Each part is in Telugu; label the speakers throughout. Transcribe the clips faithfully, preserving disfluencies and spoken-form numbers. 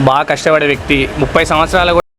Speaker 1: బాగా కష్టపడే వ్యక్తి ముప్పై సంవత్సరాలు కూడా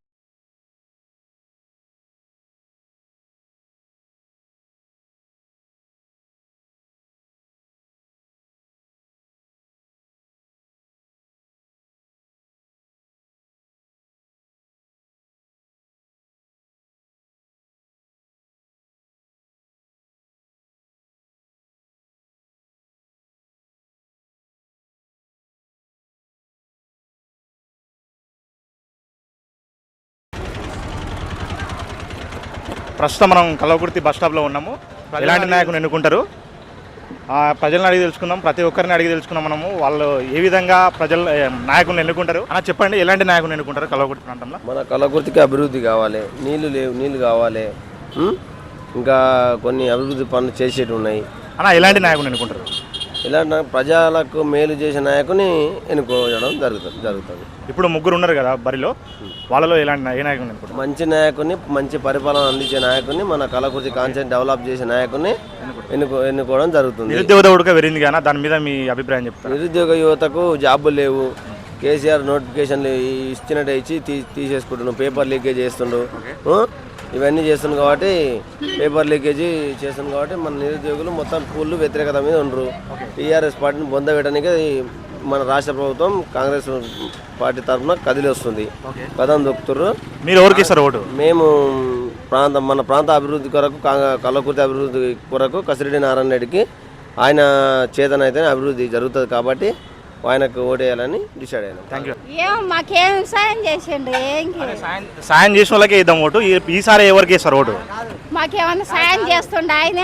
Speaker 2: ప్రస్తుతం మనం కల్వకుర్తి బస్ స్టాప్లో ఉన్నాము. ఎలాంటి నాయకుని ఎన్నుకుంటారు ప్రజలను అడిగి తెలుసుకుందాం. ప్రతి ఒక్కరిని అడిగి తెలుసుకున్నాం మనము. వాళ్ళు ఏ విధంగా ప్రజలు నాయకుని ఎన్నుకుంటారు అన్న చెప్పండి. ఎలాంటి నాయకుని ఎన్నుకుంటారు కల్వకుర్తి ప్రాంతంలో?
Speaker 3: మన కల్వకుర్తికి అభివృద్ధి కావాలి, నీళ్లు లేవు, నీళ్లు కావాలి, ఇంకా కొన్ని అభివృద్ధి పనులు చేసేవి ఉన్నాయి
Speaker 2: అన్న. ఎలాంటి నాయకుని ఎన్నుకుంటారు?
Speaker 3: ఇలాంటి ప్రజలకు మేలు చేసే నాయకుని ఎన్నుకోవడం జరుగుతుంది జరుగుతుంది
Speaker 2: ఇప్పుడు ముగ్గురు ఉన్నారు కదా బరిలో, వాళ్ళలో ఎలాంటి ఏ నాయకుని ఎన్నుకుంటారు?
Speaker 3: మంచి నాయకుని, మంచి పరిపాలన అందించే నాయకుని, మన కల్వకుర్తి కాన్సెప్ట్ డెవలప్ చేసే నాయకుని ఎన్నుకో ఎన్నుకోవడం జరుగుతుంది.
Speaker 2: నిరుద్యోగ ఉడక వెరింది కానీ దాని మీద మీ అభిప్రాయం చెప్తారు?
Speaker 3: నిరుద్యోగ యువతకు జాబులు లేవు. కేసీఆర్ నోటిఫికేషన్లు ఇచ్చినట్టు ఇచ్చి తీ తీసేసుకుంటున్నాం. పేపర్ లీకేజ్ చేస్తుండు, ఇవన్నీ చేస్తుంది కాబట్టి పేపర్ లీకేజీ చేస్తుంది కాబట్టి మన నిరుద్యోగులు మొత్తం ఫుల్ వ్యతిరేకత మీద ఉండరు. టీఆర్ఎస్ పార్టీని బొందబెట్టడానికి మన రాష్ట్ర ప్రభుత్వం కాంగ్రెస్ పార్టీ తరఫున కదిలి వస్తుంది, కథం దొక్కుతుర్రు.
Speaker 2: మీరు ఎవరికి ఇస్తారు ఓటు?
Speaker 3: మేము ప్రాంతం మన ప్రాంత అభివృద్ధి కొరకు, కల్వకుర్తి అభివృద్ధి కొరకు కసిరెడ్డి నారాయణ రెడ్డికి ఆయన చేతన అయితే అభివృద్ధి జరుగుతుంది కాబట్టి ఆయనకు ఓటేయాలని డిసైడ్ అయినా.
Speaker 2: Thank you.
Speaker 4: ఏం మాకేం సాయం చేసిండు?
Speaker 2: సాయం చేసిన వాళ్ళకే ఇద్దాం ఓటు. ఈసారి ఎవరికి ఇస్తారు ఓటు?
Speaker 4: మాకేమన్నా సాయం చేస్తుండ ఆయన?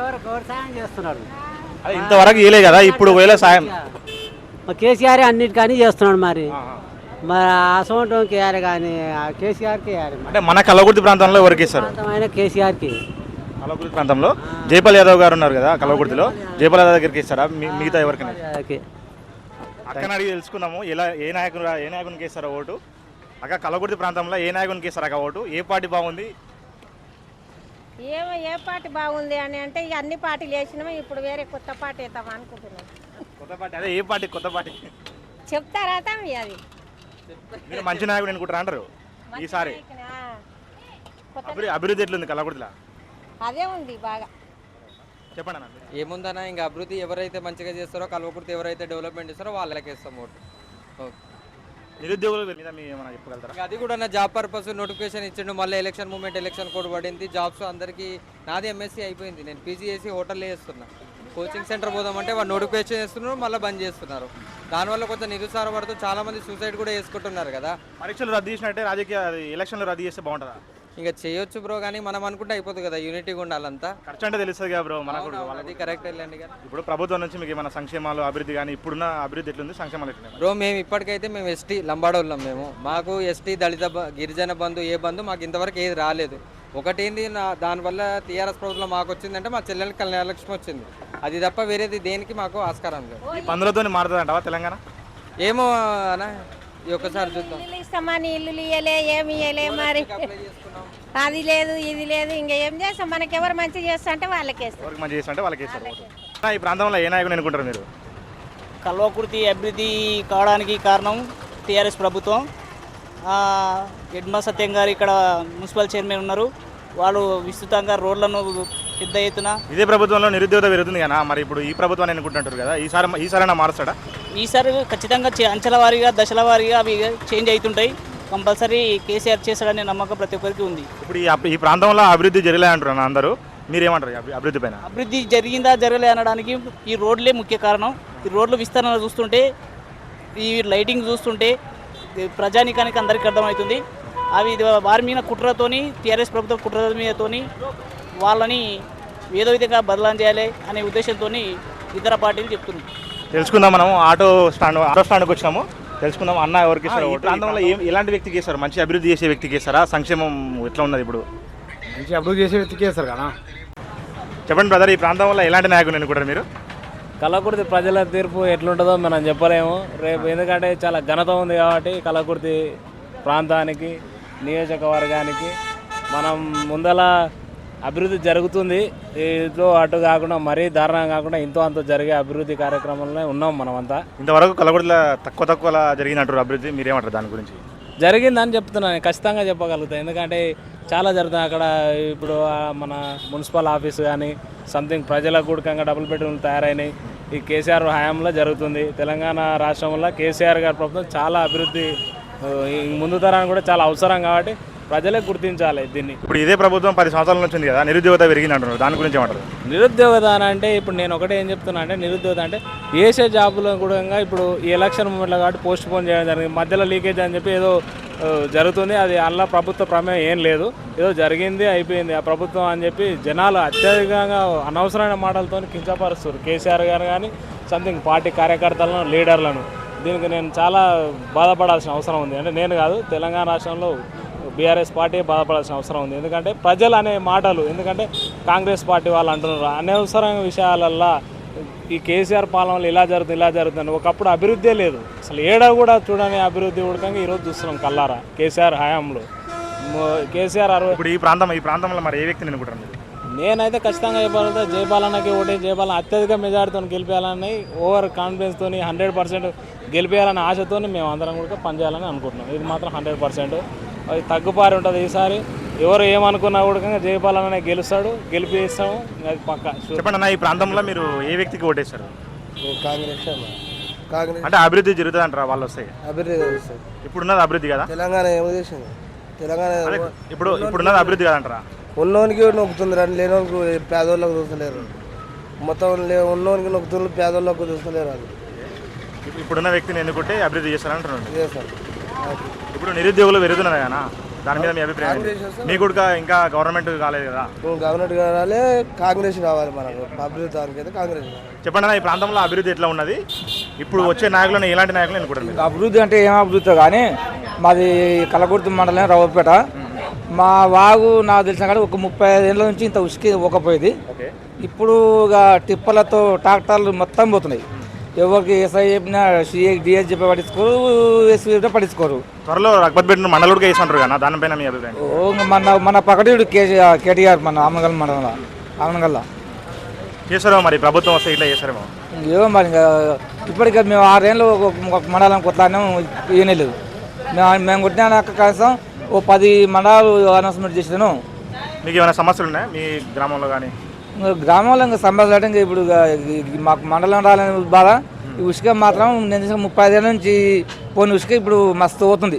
Speaker 2: అదే ఇంతవరకు ఇయలే కదా, ఇప్పుడు వేళ సాయం
Speaker 5: కేసీఆర్ అన్నిటికీ చేస్తున్నాడు. మరి మరి అసోంటం కేఆర్ కానీ కేసీఆర్కి
Speaker 2: అంటే మన కల్వకుర్తి ప్రాంతంలో ఎవరికి ఇస్తారు?
Speaker 5: కేసీఆర్కి.
Speaker 2: కల్వకుర్తి ప్రాంతంలో జైపాల్ యాదవ్ గారు ఉన్నారు కదా కల్వకుర్తిలో, జైపాల్ యాదవ్ దగ్గరికి ఇస్తారా? మిగతా ఎవరికైనా అక్కని అడిగి తెలుసుకుందాము. ఎలా ఏ నాయకుడు ఏ నాయకునికి ఇస్తారో ఓటు? అక్క కల్వకుర్తి ప్రాంతంలో ఏ నాయకునికి ఇస్తారు అక్క ఓటు? ఏ పార్టీ బాగుంది?
Speaker 4: ఏమో ఏ పార్టీ బాగుంది అని అంటే ఇక అన్ని పార్టీలు వేసినాము. ఇప్పుడు వేరే కొత్త పార్టీ వేద్దాం అనుకుంటున్నాం.
Speaker 2: కొత్త పార్టీ అదే ఏ పార్టీ? కొత్త పార్టీ
Speaker 4: చెప్తారా అది?
Speaker 2: మీరు మంచి నాయకుడు అనుకుంటారా అంటారు ఈసారి? అభివృద్ధి ఎట్లుంది కల్వకుర్తిలో?
Speaker 4: అదే ఉంది బాగా.
Speaker 2: చెప్పండి అన్న.
Speaker 6: ఏముందన్నా ఇంకా అభివృద్ధి ఎవరైతే మంచిగా చేస్తారో, కల్వకుర్తి ఎవరైతే డెవలప్మెంట్ చేస్తారో వాళ్ళకి ఇస్తాం ఓటు.
Speaker 2: నిరుద్యోగుల మీద మీ ఏమైనా చెప్పగలుగుతారా?
Speaker 6: అది కూడా నా జాబ్ పర్పస్ నోటిఫికేషన్ ఇచ్చిండు. మళ్ళీ ఎలక్షన్ మూమెంట్ ఎలక్షన్ కోడ్ పడింది. జాబ్స్ అందరికీ నాది ఎంఎస్సీ అయిపోయింది. నేను పీజీ చేసి హోటల్లో చేస్తున్నా. కోచింగ్ సెంటర్ పోదామంటే వాళ్ళు నోటిఫికేషన్ చేస్తున్నారు, మళ్ళీ బంద్ చేస్తున్నారు. దానివల్ల కొంచెం నిరుత్సాహపడుతూ చాలా మంది సూసైడ్ కూడా చేసుకుంటున్నారు కదా.
Speaker 2: పరీక్షలు రద్దు చేసినట్టే రాజకీయ ఎలక్షన్లు రద్దు చేస్తే బాగుంటుందా?
Speaker 6: ఇంకా చేయొచ్చు బ్రో, కానీ మనం అనుకుంటే అయిపోతుంది కదా. యూనిటీగా ఉండాలంతా.
Speaker 2: ఖర్చు అంటే తెలుస్తుంది కదా బ్రో మనకు.
Speaker 6: అది కరెక్ట్ వెళ్ళండి కదా.
Speaker 2: ఇప్పుడు ప్రభుత్వం నుంచి మీకు ఏమైనా సంక్షేమాలు అభివృద్ధి కానీ ఇప్పుడున్న అభివృద్ధి ఎట్లుంది, సంక్షేమాలు ఎట్లుంది
Speaker 6: బ్రో? మేము ఇప్పటికైతే మేము ఎస్టీ లంబాడోళ్ళం. మేము మాకు ఎస్టీ దళిత గిరిజన బంధు ఏ బంధు మాకు ఇంతవరకు ఏది రాలేదు. ఒకటేంది నా దానివల్ల టీఆర్ఎస్ ప్రభుత్వం మాకు వచ్చిందంటే మా చెల్లెలకి కళ్యాణలక్ష్మి వచ్చింది. అది తప్ప వేరేది దేనికి మాకు ఆస్కారం లేదు.
Speaker 2: ఈ పందులతో మారుతుందంటావా తెలంగాణ?
Speaker 6: ఏమో అన్న, ఒక్కసారి చూద్దాం.
Speaker 4: ఇస్తామని ఇల్లు ఇయ్యలే, ఏమి ఇయ్యలే, మరి అది లేదు ఇది లేదు. ఇంకా ఏం చేస్తాం? మనకి ఎవరు మంచి చేస్తా అంటే వాళ్ళకి వేస్తాం.
Speaker 2: మంచి చేస్తా అంటే వాళ్ళకి వేస్తారు. ఈ ప్రాంతంలో ఏ నాయకుని అనుకుంటారు మీరు?
Speaker 7: కల్వకుర్తి అభివృద్ధి కావడానికి కారణం టీఆర్ఎస్ ప్రభుత్వం. ఎడ్మ సత్యం గారు ఇక్కడ మున్సిపల్ చైర్మన్ ఉన్నారు. వాళ్ళు విస్తృతంగా రోడ్లను పెద్ద ఎత్తున. ఇదే
Speaker 2: ప్రభుత్వంలో నిరుద్యోగ పెరుగుతుంది కదా, మరి ఇప్పుడు ఈ ప్రభుత్వాన్ని అనుకుంటుంటారు కదా, ఈసారి ఈసారైనా మారుస్తాడా?
Speaker 7: ఈసారి ఖచ్చితంగా అంచెల వారీగా దశల వారీగా అవి చేంజ్ అవుతుంటాయి. కంపల్సరీ కేసీఆర్ చేస్తాడనే నమ్మకం ప్రతి ఒక్కరికి ఉంది.
Speaker 2: ఇప్పుడు ఈ ప్రాంతంలో అభివృద్ధి జరగలే అంటున్నారు అందరూ, మీరేమంటారు అభివృద్ధి పైన?
Speaker 7: అభివృద్ధి జరిగిందా జరగలే అనడానికి ఈ రోడ్లే ముఖ్య కారణం. ఈ రోడ్ల విస్తరణ చూస్తుంటే, ఈ లైటింగ్ చూస్తుంటే ప్రజానికానికి అందరికీ అర్థమవుతుంది. అవి వారి మీద కుట్రతోని, టీఆర్ఎస్ ప్రభుత్వం కుట్ర మీదతోని వాళ్ళని ఏదో విధంగా బదలాం చేయాలి అనే ఉద్దేశంతో ఇతర పార్టీలు చెప్తున్నాయి.
Speaker 2: తెలుసుకుందాం. మనం ఆటో స్టాండ్ ఆటో స్టాండ్కి వచ్చినాము. తెలుసుకుందాం అన్న ఎవరికి ఇస్తారు? ప్రాంతంలో ఏం ఎలాంటి వ్యక్తికి ఇస్తారు? మంచి అభివృద్ధి చేసే వ్యక్తికి ఇస్తారా? సంక్షేమం ఎట్లా ఉన్నది ఇప్పుడు?
Speaker 8: మంచి అభివృద్ధి చేసే వ్యక్తికి ఇస్తారు కదా.
Speaker 2: చెప్పండి బ్రదర్, ఈ ప్రాంతంలో ఎలాంటి నాయకుడు అనుకుంటారు మీరు?
Speaker 9: కల్వకుర్తి ప్రజల తీర్పు ఎట్లుంటుందో మనం చెప్పలేము రేపు, ఎందుకంటే చాలా ఘనత ఉంది కాబట్టి కల్వకుర్తి ప్రాంతానికి, నియోజకవర్గానికి. మనం ముందల అభివృద్ధి జరుగుతుంది. ఇటు అటు కాకుండా మరీ దారుణం కాకుండా ఇంతో అంత జరిగే అభివృద్ధి కార్యక్రమంలో ఉన్నాం మనమంతా.
Speaker 2: ఇంతవరకు కలగొడలో తక్కువ తక్కువ జరిగినట్టు అభివృద్ధి మీరేమంటారు దాని గురించి?
Speaker 9: జరిగిందని చెప్తున్నాను, ఖచ్చితంగా చెప్పగలుగుతాను. ఎందుకంటే చాలా జరుగుతుంది అక్కడ. ఇప్పుడు మన మున్సిపల్ ఆఫీసు కానీ సంథింగ్ ప్రజల కూడకంగా డబుల్ బెడ్రూమ్లు తయారైనాయి. ఈ కేసీఆర్ హయాంలో జరుగుతుంది. తెలంగాణ రాష్ట్రంలో కేసీఆర్ గారి ప్రభుత్వం చాలా అభివృద్ధి ముందు తరానికి కూడా చాలా అవసరం కాబట్టి ప్రజలే గుర్తించాలి దీన్ని.
Speaker 2: ఇప్పుడు ఇదే ప్రభుత్వం పది సంవత్సరాల నుంచి ఉంది కదా, నిరుద్యోగత పెరిగింది అంటున్నారు, దాని గురించి ఏమంటారు?
Speaker 9: నిరుద్యోగత అంటే ఇప్పుడు నేను ఒకటే ఏం చెప్తున్నా అంటే, నిరుద్యోగత అంటే వేసే జాబులో కూడా ఇప్పుడు ఈ ఎలక్షన్ మూమెంట్లో కాబట్టి పోస్ట్ పోన్ చేయడం జరిగింది. మధ్యలో లీకేజ్ అని చెప్పి ఏదో జరుగుతుంది. అది అలా ప్రభుత్వ ప్రమేయం ఏం లేదు, ఏదో జరిగింది అయిపోయింది ఆ ప్రభుత్వం అని చెప్పి జనాలు అత్యధికంగా అనవసరమైన మాటలతో కించపరుస్తారు కేసీఆర్ గారు కానీ సంథింగ్ పార్టీ కార్యకర్తలను లీడర్లను. దీనికి నేను చాలా బాధపడాల్సిన అవసరం ఉంది. అంటే నేను కాదు, తెలంగాణ రాష్ట్రంలో బీఆర్ఎస్ పార్టీ బాధపడాల్సిన అవసరం ఉంది. ఎందుకంటే ప్రజలు అనే మాటలు, ఎందుకంటే కాంగ్రెస్ పార్టీ వాళ్ళు అంటున్నారు అనవసరమైన విషయాలల్లో ఈ కేసీఆర్ పాలనలో ఇలా జరుగుతుంది ఇలా జరుగుతుంది. ఒకప్పుడు అభివృద్ధే లేదు, అసలు ఏడా కూడా చూడని అభివృద్ధి ఉడకంగా ఈరోజు చూస్తున్నాం కల్లారా కేసీఆర్ హయాంలో. కేసీఆర్ అరవై
Speaker 2: ఇప్పుడు ఈ ప్రాంతం ఈ ప్రాంతంలో మరి ఏ వ్యక్తిని అనుకుంటారు?
Speaker 9: నేనైతే ఖచ్చితంగా చెప్పాలంటే జయపాలన్నకి ఓటే జయపాలన అత్యధిక మెజార్టీతో గెలిపేయాలని, ఓవర్ కాన్ఫిడెన్స్తో హండ్రెడ్ పర్సెంట్ గెలిపేయాలనే ఆశతో మేము అందరం కూడా పనిచేయాలని అనుకుంటున్నాం. ఇది మాత్రం హండ్రెడ్ పర్సెంట్ అది తగ్గుపారి ఉంటుంది. ఈసారి ఎవరు ఏమనుకున్నా కూడా జయపాలనే గెలుస్తాడు, గెలిపిస్తాము, అది పక్క.
Speaker 2: చెప్పండి అన్న, ఈ ప్రాంతంలో మీరు ఏ వ్యక్తికి ఓటేస్తారు?
Speaker 3: కాంగ్రెస్ కాంగ్రెస్
Speaker 2: అంటే అభివృద్ధి జరుగుతుంది అంటారా వాళ్ళు వస్తాయి?
Speaker 3: అభివృద్ధి
Speaker 2: ఇప్పుడున్నది అభివృద్ధి కదా?
Speaker 3: తెలంగాణ ఏమో చేసింది తెలంగాణ
Speaker 2: ఇప్పుడు ఇప్పుడున్నది అభివృద్ధి కదంటారా?
Speaker 3: ఉన్నోనికి నొక్కుతుంది రండి, లేనోనికి పేదోళ్ళకు చూస్తలేరు. మొత్తం లే ఉన్నోనికి నొక్కుతుంది, పేదోళ్ళకు చూస్తలేరు. అది
Speaker 2: ఇప్పుడున్న వ్యక్తిని ఎన్నుకుంటే అభివృద్ధి చేస్తారంటున్నాను.
Speaker 3: చేస్తారు.
Speaker 2: ఇప్పుడు నిరుద్యోగులు పెరుగుతున్నారు కదా, దాని మీద మీ అభిప్రాయం? మీ కూడా ఇంకా గవర్నమెంట్ కాలేదు కదా?
Speaker 3: గవర్నమెంట్ కావాలి, కాంగ్రెస్ కావాలి మనకు. అభివృద్ధి అయితే కాంగ్రెస్.
Speaker 2: చెప్పండి అన్న, ఈ ప్రాంతంలో అభివృద్ధి ఎట్లా ఉన్నది? ఇప్పుడు వచ్చే నాయకులను ఎలాంటి నాయకులు ఎన్నుకుంటారు?
Speaker 8: అభివృద్ధి అంటే ఏం అభివృద్ధి కానీ మాది కలకుర్తి మండలం రావుపేట. మా వాగు నాకు తెలిసిన కానీ ఒక ముప్పై ఐదు ఏళ్ళ నుంచి ఇంత ఉసుకి ఒకపోయేది. ఇప్పుడు ఇక టిప్పలతో ట్రాక్టర్లు మొత్తం పోతున్నాయి. ఎవరికి ఎస్ఐ చెప్పినా సిఏ డిఎస్ చెప్పి పట్టించుకోరు, ఎస్పీ చెప్పినా పట్టించుకోరు.
Speaker 2: త్వరలో రఘుపతి పెట్టిన మండలుడికి వేసుకుంటారు కదా, దానిపైన మీ అభిప్రాయం?
Speaker 8: ఓ మన మన పకడీడు కేసీఆర్ కేటీఆర్ మన ఆమనగల్ మండలంలో ఆమనగల్లా
Speaker 2: చేస్తారో మరి ప్రభుత్వం వస్తే ఇట్లా చేస్తారేమో.
Speaker 8: ఏమో మరి ఇంకా ఇప్పటికే మేము ఆరేళ్ళు ఒక మండలం కొట్లాడినాం, ఏనే లేదు. మేము మేము కొట్టినా కనీసం ఓ పది మండలాలు అనౌన్స్మెంట్ చేసాను.
Speaker 2: మీకు ఏమైనా సమస్యలు ఉన్నాయా మీ గ్రామంలో కానీ?
Speaker 8: గ్రామంలో ఇంకా సమస్యలు అంటే ఇంకా ఇప్పుడు మాకు మండలం రాలని బాధ. ఈ ఉసుక మాత్రం నేను ముప్పై ఐదేళ్ళ నుంచి పోని ఉసుక ఇప్పుడు మస్తు పోతుంది.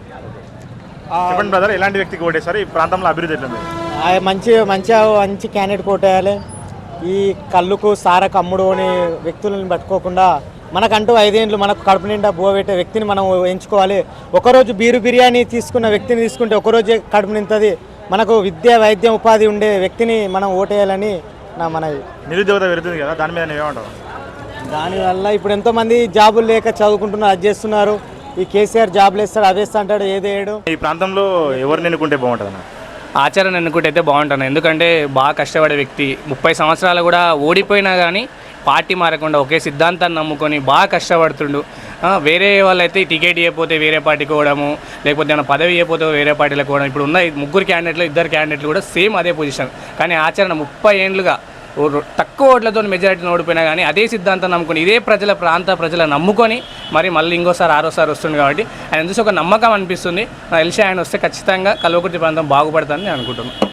Speaker 2: చెప్పండి బ్రదర్, ఎలాంటి వ్యక్తికి ఓటేస్తారు? ఈ ప్రాంతంలో అభివృద్ధి ఎట్లుంది?
Speaker 10: మంచి మంచిగా మంచి క్యాండిడేట్ కోటేయాలి. ఈ కళ్ళుకు సారకు అమ్ముడు అనే వ్యక్తులను పట్టుకోకుండా మనకంటూ ఐదేండ్లు మనకు కడుపు నిండా బువ పెట్టే వ్యక్తిని మనం ఎంచుకోవాలి. ఒకరోజు బీరు బిర్యానీ తీసుకున్న వ్యక్తిని తీసుకుంటే ఒకరోజే కడుపు నింతుంది. మనకు విద్య వైద్యం ఉపాధి ఉండే వ్యక్తిని మనం ఓటేయాలని నా మనవి.
Speaker 2: నిరుద్యోగత పెరుగుతుంది కదా, దాని మీద ఏమంటావు?
Speaker 10: దానివల్ల ఇప్పుడు ఎంతోమంది జాబులు లేక చదువుకుంటున్నారు, అది చేస్తున్నారు. ఈ కేసీఆర్ జాబులు వేస్తాడు, అవి వేస్తా అంటాడు, ఏదేడు.
Speaker 2: ఈ ప్రాంతంలో ఎవరిని ఎన్నుకుంటే బాగుంటుంది అన్న?
Speaker 1: ఆచరణ ఎన్నుకుంటే అయితే బాగుంటాను. ఎందుకంటే బాగా కష్టపడే వ్యక్తి, ముప్పై సంవత్సరాలు కూడా ఓడిపోయినా కానీ పార్టీ మారకుండా ఒకే సిద్ధాంతాన్ని నమ్ముకొని బాగా కష్టపడుతుండు. వేరే వాళ్ళైతే టికెట్ ఇవ్వకపోతే వేరే పార్టీకి పోవడము, లేకపోతే ఏమైనా పదవి ఇవ్వకపోతే వేరే పార్టీలకు పోవడం. ఇప్పుడు ఉన్న ముగ్గురు క్యాండిడేట్లు ఇద్దరు క్యాండిడేట్లు కూడా సేమ్ అదే పొజిషన్. కానీ ఆచరణ ముప్పై ఏండ్లుగా తక్కువ ఓట్లతో మెజారిటీని ఓడిపోయినా కానీ అదే సిద్ధాంతం నమ్ముకొని ఇదే ప్రజల ప్రాంత ప్రజల నమ్ముకొని మరి మళ్ళీ ఇంకోసారి ఆరోసారి వస్తుంది కాబట్టి ఆయన చూసి ఒక నమ్మకం అనిపిస్తుంది. నాకు తెలిసి ఆయన వస్తే ఖచ్చితంగా కల్వకుర్తి ప్రాంతం బాగుపడుతుందని నేను అనుకుంటున్నాను.